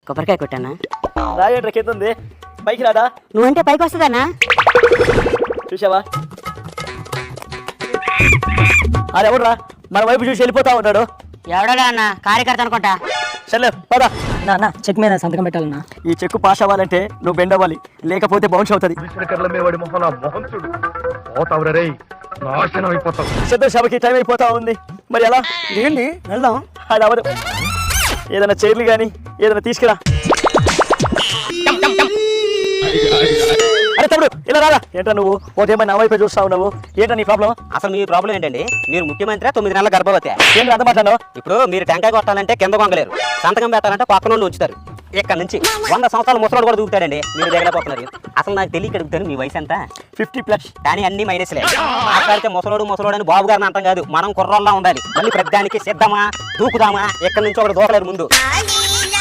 కొబ్బరికాయ కొట్టానా? రాయేట్రా కింద ఉంది, పైకి రాదా? నువ్వంటే పైకి వస్తుందన్నా? చూసావా, అది ఎవడురా మన వైపు చూసి వెళ్ళిపోతా ఉన్నాడు? ఎవడడా అన్న? కార్యకర్త అనుకుంటా. సర్లే పదా. నా చెక్ మీద సంతకం పెట్టాలన్నా. ఈ చెక్కు పాస్ అవ్వాలంటే నువ్వు బెండ్ అవ్వాలి, లేకపోతే బౌన్స్ అవుతుంది. సిద్ధ సభకి టైం అయిపోతా ఉంది, మరి ఎలా? ఏంటి వెళ్దాం? అది అవ్వదు. ఏదైనా చైర్లు కానీ ఏదైనా తీసుకురా. అరే తమ్ముడు ఇలా రారా. ఏంట్రా నువ్వు ఓటేమో నా వైపే చూస్తా ఉన్నావు? ఏంట్రా నీ ప్రాబ్లం? అసలు మీ ప్రాబ్లం ఏంటండి? మీరు ముఖ్యమంత్రి 9 నెలల గర్భవతి. ఏం అంత మాట్లాడు? ఇప్పుడు మీరు టెంకాయ కొట్టాలంటే కింద కొంగలేరు, సంతకం పెట్టాలంటే పక్కన వాళ్ళు ఉంచుతారు. ఇక్కడ నుంచి 100 సంవత్సరాల ముసలోడు కూడా దూకుతాడండి, మీరు దిగలేకపోతున్నారు. అసలు నాకు తెలియక అడుగుతాను, మీ వయసు ఎంత? 50+. కానీ అన్ని మైనస్లే. మాట్లాడితే ముసలోడు అని బాబు గారిని అంతం కాదు, మనం కుర్రోళ్ళ ఉండాలి. మళ్ళీ ప్రతిదానికి సిద్ధమా, దూకుదామా? ఎక్కడి నుంచి ఒకటి దూకలేరు ముందు.